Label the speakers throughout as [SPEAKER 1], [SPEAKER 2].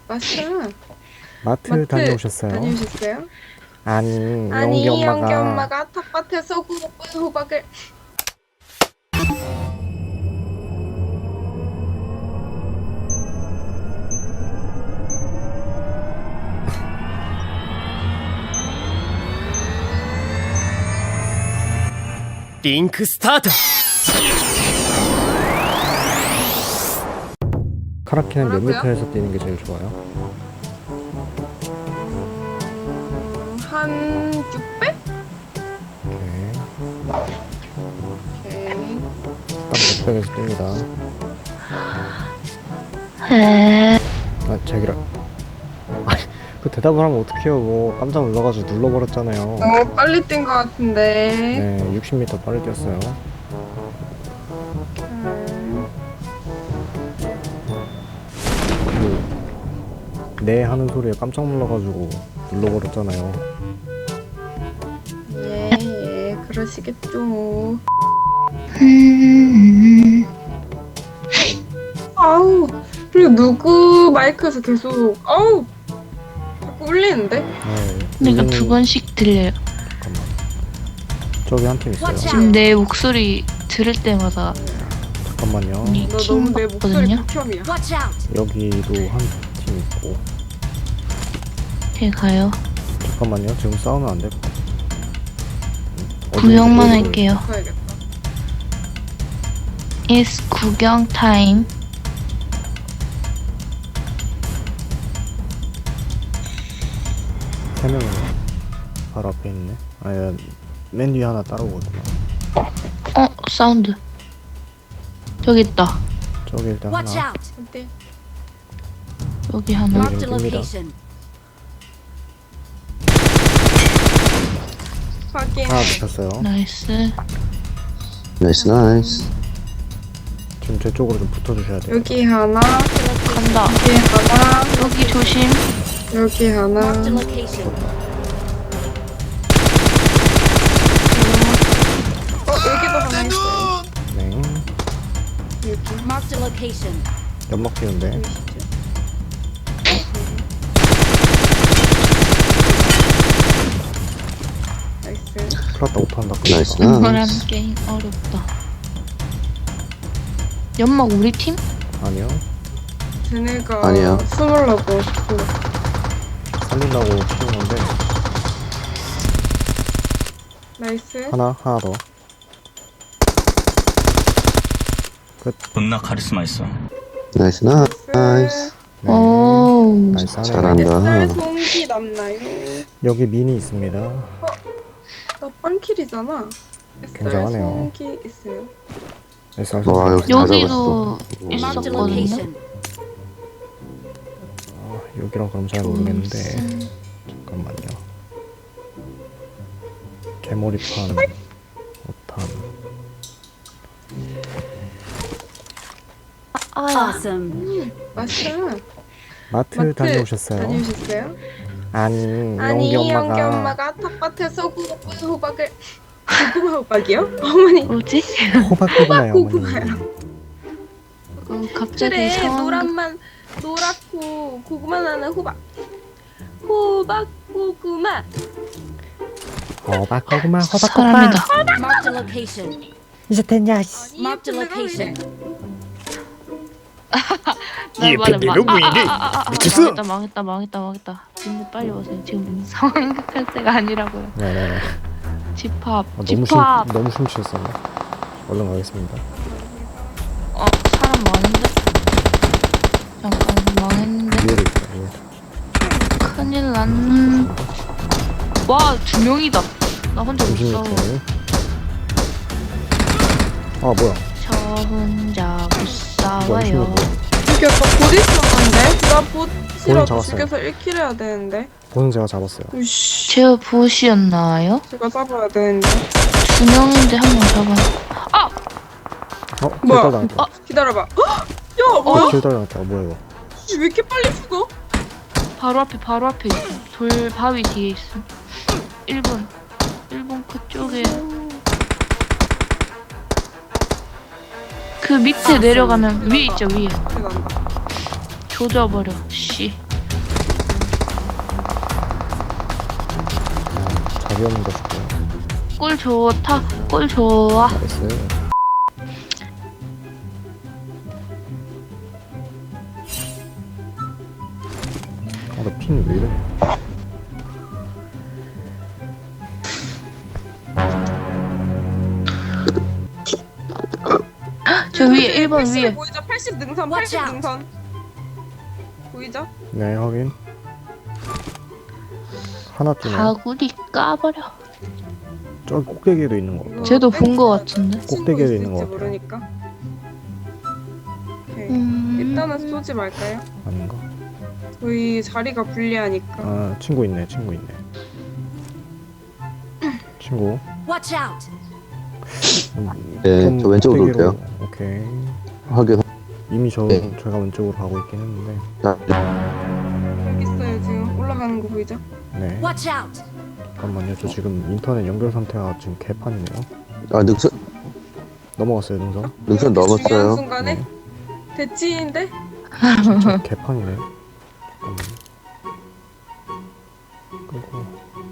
[SPEAKER 1] 맞아.
[SPEAKER 2] 마트 다녀오셨어요?
[SPEAKER 1] 다녀오셨어요?
[SPEAKER 2] 아니,
[SPEAKER 1] 아니,
[SPEAKER 2] 영기
[SPEAKER 1] 영기
[SPEAKER 2] 엄마가
[SPEAKER 1] 엄마가 텃밭에서 구운 호박을.
[SPEAKER 3] リンクスタート。
[SPEAKER 2] 카라키는 몇
[SPEAKER 1] 뭐라고요?
[SPEAKER 2] 미터에서 뛰는 게 제일 좋아요?
[SPEAKER 1] 한 600?
[SPEAKER 2] 오케이.
[SPEAKER 1] 오케이.
[SPEAKER 2] 딱 600에서 뜁니다. 아, 제기라. 아니, 그 대답을 하면 어떡해요. 뭐 깜짝 놀라가지고 눌러버렸잖아요.
[SPEAKER 1] 너무 빨리 뛴 것 같은데.
[SPEAKER 2] 네, 60m 빨리 뛰었어요. 네 하는 소리에 깜짝 놀라가지고 눌러버렸잖아요.
[SPEAKER 1] 예, 그러시겠죠. 아우, 그리고 누구 마이크에서 계속, 아우, 자꾸 울리는데?
[SPEAKER 2] 네,
[SPEAKER 4] 그러니까
[SPEAKER 2] 울리는-
[SPEAKER 4] 두 번씩 들려요.
[SPEAKER 2] 잠깐만. 저기 한 팀 있어요.
[SPEAKER 4] 지금 내 목소리 들을 때마다
[SPEAKER 2] 잠깐만요.
[SPEAKER 4] 이
[SPEAKER 1] 너
[SPEAKER 4] 킹
[SPEAKER 1] 너무 내 목소리
[SPEAKER 4] 받거든요.
[SPEAKER 1] 극혐이야.
[SPEAKER 2] 여기도 한 팀 있고.
[SPEAKER 4] 제가요.
[SPEAKER 2] 잠깐만요. 지금 싸우면 안 될 것 같아.
[SPEAKER 4] 구경만
[SPEAKER 2] 어디서
[SPEAKER 4] 할게요.
[SPEAKER 1] 가야겠다.
[SPEAKER 4] It's 구경 타임.
[SPEAKER 2] 세 명이네. 바로 앞에 있네. 아니, 맨 뒤에 하나 따라오거든요.
[SPEAKER 4] 사운드. 저기 있다.
[SPEAKER 2] 저기 일단
[SPEAKER 5] Watch
[SPEAKER 2] 하나.
[SPEAKER 5] out!
[SPEAKER 1] 어때?
[SPEAKER 4] 여기 하나.
[SPEAKER 2] Mark-
[SPEAKER 5] Marked a
[SPEAKER 2] 뜹니다.
[SPEAKER 5] location.
[SPEAKER 1] 확인.
[SPEAKER 2] 하나 붙였어요.
[SPEAKER 4] 나이스.
[SPEAKER 6] 나이스 나이스.
[SPEAKER 2] 지금 제 쪽으로 좀 붙어주셔야 돼요.
[SPEAKER 1] 여기 하나,
[SPEAKER 4] 간다.
[SPEAKER 1] 여기 하나,
[SPEAKER 4] 여기 조심.
[SPEAKER 1] 여기 하나.
[SPEAKER 5] Marked a location.
[SPEAKER 1] 여기도 하나 있어요.
[SPEAKER 2] 네.
[SPEAKER 1] 여기.
[SPEAKER 5] Marked a location.
[SPEAKER 2] 연막 피는데.
[SPEAKER 1] 보이시죠? 나이스.
[SPEAKER 2] 플라타 오탄다.
[SPEAKER 6] 나이스
[SPEAKER 2] 그러니까.
[SPEAKER 4] 이거란
[SPEAKER 6] 나이스.
[SPEAKER 4] 게임 어렵다. 연막 우리 팀?
[SPEAKER 2] 아니요.
[SPEAKER 1] 쟤네가
[SPEAKER 6] 아니야.
[SPEAKER 1] 숨으려고.
[SPEAKER 2] 살린다고 키운 건데.
[SPEAKER 1] 나이스.
[SPEAKER 2] 하나 더.
[SPEAKER 3] 존나 카리스마 있어.
[SPEAKER 6] 나이스 나이스.
[SPEAKER 2] 네.
[SPEAKER 4] 오.
[SPEAKER 2] 나이스 하네.
[SPEAKER 6] 잘한다.
[SPEAKER 1] 햇살 송기 남나요?
[SPEAKER 2] 여기 미니 있습니다.
[SPEAKER 1] 나 빵킬이잖아. 햇살
[SPEAKER 2] 굉장하네요.
[SPEAKER 1] 송기 있어요.
[SPEAKER 2] SR
[SPEAKER 6] 와
[SPEAKER 2] 선수.
[SPEAKER 6] 여기 잘
[SPEAKER 4] 여기도
[SPEAKER 6] 잡았어.
[SPEAKER 5] Marked a
[SPEAKER 4] 있었거든요.
[SPEAKER 5] location.
[SPEAKER 2] 여기랑 그럼 잘 모르겠는데. 잠깐만요. 개머리판. 오탄.
[SPEAKER 5] Awesome.
[SPEAKER 1] 맞아.
[SPEAKER 2] 마트 다녀오셨어요?
[SPEAKER 1] 다녀오셨어요?
[SPEAKER 2] 아니,
[SPEAKER 1] 아니,
[SPEAKER 2] 영기
[SPEAKER 1] 영기
[SPEAKER 2] 엄마가
[SPEAKER 1] 엄마가 텃밭에서 구운 호박을. 고구마 호박이요? 어머니.
[SPEAKER 4] 뭐지?
[SPEAKER 2] 호박고구마요,
[SPEAKER 1] 고구마요.
[SPEAKER 2] 어머니.
[SPEAKER 4] 갑자기
[SPEAKER 1] 그래,
[SPEAKER 4] 상황.
[SPEAKER 1] 노랗고 고구마 나는 호박. 호박 고구마.
[SPEAKER 2] 호박고구마,
[SPEAKER 4] 사람이다.
[SPEAKER 5] Marked a location.
[SPEAKER 2] 이제 됐냐?
[SPEAKER 5] Marked a location.
[SPEAKER 3] 이 밴드 누구이니? 미쳤어?
[SPEAKER 4] 망했다. 근데 빨리 오세요. 지금 상황 급할 때가 아니라고요.
[SPEAKER 2] 네네네.
[SPEAKER 4] 집합.
[SPEAKER 2] 너무 심취했었네. 얼른 가겠습니다.
[SPEAKER 4] 사람 많은데? 잠깐 망했는데.
[SPEAKER 2] 위에도 있다, 위에.
[SPEAKER 4] 큰일 났는. 와, 2명이다. 나 혼자 못 싸워.
[SPEAKER 2] 36분. 아, 뭐야.
[SPEAKER 4] 저 혼자 못
[SPEAKER 2] 뭐야,
[SPEAKER 4] 싸워요.
[SPEAKER 2] 뭐야.
[SPEAKER 1] 이게 아까 봇 있었는데? 나 봇이라도
[SPEAKER 2] 잡았어요.
[SPEAKER 1] 죽여서 1킬 해야 되는데.
[SPEAKER 2] 보는 제가 잡았어요.
[SPEAKER 1] 으이씨.
[SPEAKER 4] 제가 보시였나요?
[SPEAKER 1] 제가 잡아야 되는데.
[SPEAKER 4] 2명인데 한 명 잡아.
[SPEAKER 1] 뭐야?
[SPEAKER 2] 길달 당했다.
[SPEAKER 1] 기다려봐. 헉! 야, 뭐야?
[SPEAKER 2] 길달 당했다. 뭐야, 이거.
[SPEAKER 1] 왜 이렇게 빨리 죽어?
[SPEAKER 4] 바로 앞에 있어. 돌 바위 뒤에 있어. 1번 그쪽에. 그 밑에 내려가면 위에 있죠, 위에.
[SPEAKER 1] 난다.
[SPEAKER 4] 조져버려. 씨.
[SPEAKER 2] 답이 없는 거 줄게요.
[SPEAKER 4] 꿀 좋다. 꿀 좋아.
[SPEAKER 2] 나이스. 아, 나 핀 왜 이래?
[SPEAKER 4] 저 위에 1번
[SPEAKER 1] 80
[SPEAKER 4] 위에.
[SPEAKER 1] 보이죠? 80 능선,
[SPEAKER 5] Watch
[SPEAKER 1] 80
[SPEAKER 5] out.
[SPEAKER 1] 능선. 보이죠?
[SPEAKER 2] 네, 확인. 하나 뜨네.
[SPEAKER 4] 다구리 까버려.
[SPEAKER 2] 저기 꼭대기에도 있는 거.
[SPEAKER 1] 이거
[SPEAKER 4] 쟤도 본 거
[SPEAKER 1] 땡기면
[SPEAKER 4] 같은데.
[SPEAKER 1] 친구
[SPEAKER 2] 꼭대기에
[SPEAKER 1] 있을지
[SPEAKER 2] 있는 것 같아.
[SPEAKER 1] 모르니까. 오케이.
[SPEAKER 4] 음.
[SPEAKER 1] 일단은 쏘지 말까요?
[SPEAKER 2] 아닌가?
[SPEAKER 1] 저희 자리가 불리하니까.
[SPEAKER 2] 아, 친구 있네, 친구 있네. 친구.
[SPEAKER 5] Watch out.
[SPEAKER 6] 네, 저 왼쪽으로
[SPEAKER 2] 꼭대기로.
[SPEAKER 6] 올게요.
[SPEAKER 2] 오케이.
[SPEAKER 6] 확인.
[SPEAKER 2] 이미
[SPEAKER 6] 네.
[SPEAKER 2] 제가 왼쪽으로 가고 있긴 했는데.
[SPEAKER 6] 자,
[SPEAKER 1] 여기 있어요 지금 올라가는 거 보이죠?
[SPEAKER 2] 네.
[SPEAKER 5] Watch out.
[SPEAKER 2] 잠깐만요. 저 지금 인터넷 연결 상태가 지금 개판이네요.
[SPEAKER 6] 아, 능선
[SPEAKER 2] 넘어갔어요, 능선.
[SPEAKER 6] 능선
[SPEAKER 1] 중요한
[SPEAKER 6] 넘었어요.
[SPEAKER 1] 순간에
[SPEAKER 2] 네.
[SPEAKER 1] 대치인데?
[SPEAKER 2] 진짜 개판이네. 그리고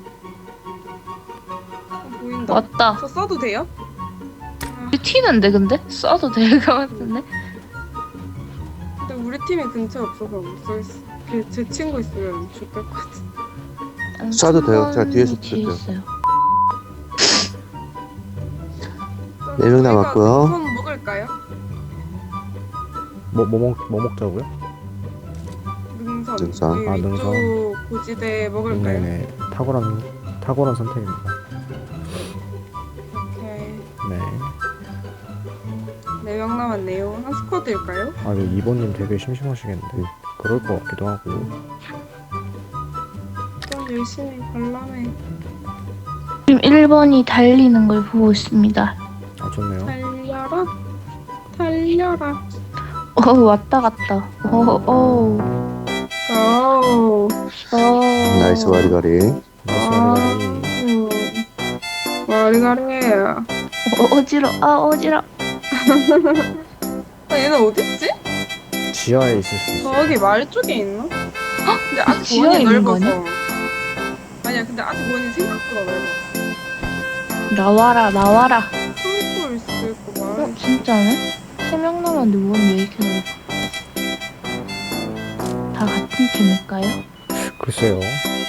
[SPEAKER 1] 보인다.
[SPEAKER 4] 왔다.
[SPEAKER 1] 저 써도 돼요?
[SPEAKER 4] 튀는데 근데? 쏴도 될 것 같은데?
[SPEAKER 1] 근데 우리 팀이 근처에 없어서 못 써있어. 제 친구 있으면 좋을 것 같아.
[SPEAKER 6] 쏴도 돼요. 제가 뒤에서
[SPEAKER 4] 뒤에
[SPEAKER 6] 쏠게요.
[SPEAKER 4] 있어요.
[SPEAKER 6] 네 명 남았고요.
[SPEAKER 1] 손 먹을까요?
[SPEAKER 2] 뭐 먹자고요?
[SPEAKER 1] 능선.
[SPEAKER 6] 능선.
[SPEAKER 1] 여기
[SPEAKER 2] 아,
[SPEAKER 1] 위쪽
[SPEAKER 2] 능선.
[SPEAKER 1] 고지대 먹을까요?
[SPEAKER 2] 네네. 탁월한 선택입니다.
[SPEAKER 1] 오케이.
[SPEAKER 2] 네.
[SPEAKER 1] 4명 남았네요. 한 스쿼드일까요?
[SPEAKER 2] 아, 네, 2번님 되게 심심하시겠는데. 그럴 것 같기도 하고.
[SPEAKER 1] 좀 열심히 관람해.
[SPEAKER 4] 지금 1번이 달리는 걸 보고 있습니다.
[SPEAKER 2] 아, 좋네요.
[SPEAKER 1] 달려라. 달려라.
[SPEAKER 4] 왔다 갔다. 오.
[SPEAKER 6] 나이스 와리가리.
[SPEAKER 2] 나이스 와리가리.
[SPEAKER 1] 와리가리예요.
[SPEAKER 4] 어지러.
[SPEAKER 1] 얘는 어딨지?
[SPEAKER 2] 지하에 있을 수 있어.
[SPEAKER 1] 저기 말 쪽에 있나? 근데 아직
[SPEAKER 4] 지하에
[SPEAKER 1] 원이
[SPEAKER 4] 있는 거
[SPEAKER 1] 넓어서. 아니야, 근데 아직 원이 생각보다 넓어.
[SPEAKER 4] 나와라.
[SPEAKER 1] 성골 있을 거 말.
[SPEAKER 4] 진짜네? 3명 남았는데 원왜 이렇게 넓어? 다 같은 팀일까요?
[SPEAKER 2] 글쎄요.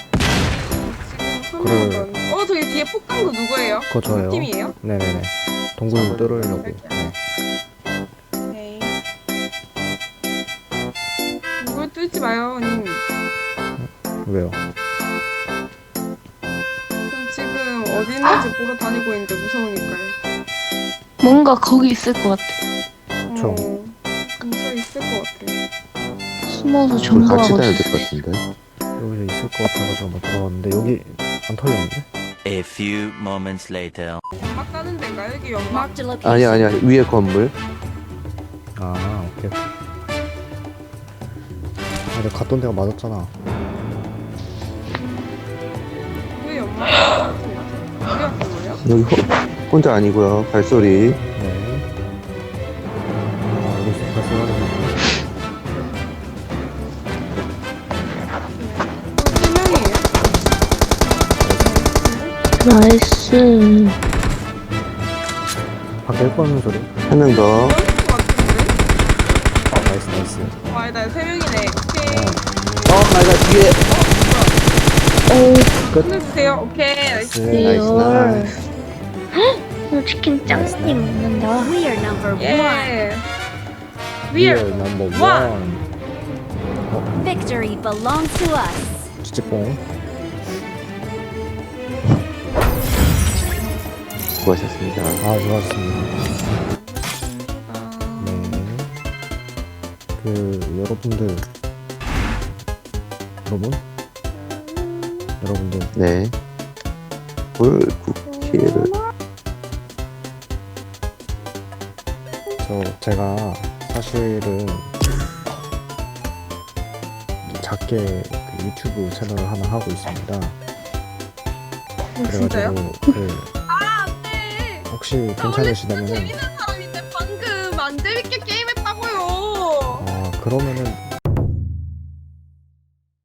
[SPEAKER 1] 지금
[SPEAKER 2] 그래.
[SPEAKER 1] 설명은. 저기 뒤에 폭탄 거 누구예요?
[SPEAKER 2] 그거 저예요.
[SPEAKER 1] 팀이에요?
[SPEAKER 2] 네네네. 동굴 뚫으려고. 네.
[SPEAKER 1] 오케이. 이걸 뚫지 마요, 님.
[SPEAKER 2] 왜요?
[SPEAKER 1] 전 지금 어디 있는지 보러 다니고 있는데 무서우니까요.
[SPEAKER 4] 뭔가 거기 있을 것 같아.
[SPEAKER 2] 그쵸.
[SPEAKER 1] 근처에 있을 것 같아요.
[SPEAKER 4] 숨어서
[SPEAKER 6] 우리 같이
[SPEAKER 4] 정보하고
[SPEAKER 6] 다녀야
[SPEAKER 4] 있어.
[SPEAKER 6] 될 것 같은데.
[SPEAKER 2] 여기서 있을 것 같아가지고 한번 들어왔는데 여기 안 털렸는데?
[SPEAKER 3] A few moments later.
[SPEAKER 1] 연막 가는 데인가? 여기 연막?
[SPEAKER 5] Marked a location.
[SPEAKER 6] 아니야. 위에 건물.
[SPEAKER 2] 아, 오케이. 아, 내가 갔던 데가 맞았잖아.
[SPEAKER 1] 왜 연막? 어디 갔던 거예요?
[SPEAKER 6] 여기 혼자 아니고요. 발소리.
[SPEAKER 2] 네. 아, 여기서 발생하는
[SPEAKER 1] 세 명이에요?
[SPEAKER 4] 나이스.
[SPEAKER 2] 밖에 헬퍼하는 소리.
[SPEAKER 6] 한 명 더.
[SPEAKER 1] 그럴 것 같은데?
[SPEAKER 2] 나이스.
[SPEAKER 1] 나 3명이네. 오케이.
[SPEAKER 6] 나이가 뒤에.
[SPEAKER 1] 끝내주세요. 오케이. 나이스.
[SPEAKER 6] 나이스.
[SPEAKER 4] 치킨 짱많이 먹는다.
[SPEAKER 5] We are number one.
[SPEAKER 1] 예.
[SPEAKER 2] We
[SPEAKER 1] We are
[SPEAKER 2] are number
[SPEAKER 1] one.
[SPEAKER 2] one.
[SPEAKER 5] Victory belongs to us.
[SPEAKER 2] 찌찌뽕.
[SPEAKER 6] 수고하셨습니다.
[SPEAKER 2] 아, 좋았습니다. 네. 여러분들.
[SPEAKER 6] 네. 불쿠키를.
[SPEAKER 2] 제가 사실은 작게 그 유튜브 채널을 하나 하고 있습니다.
[SPEAKER 1] 진짜요?
[SPEAKER 2] 네. 혹시 괜찮으시다면은
[SPEAKER 1] 재밌는 사람인데 방금 안 재밌게 게임했다고요.
[SPEAKER 2] 그러면은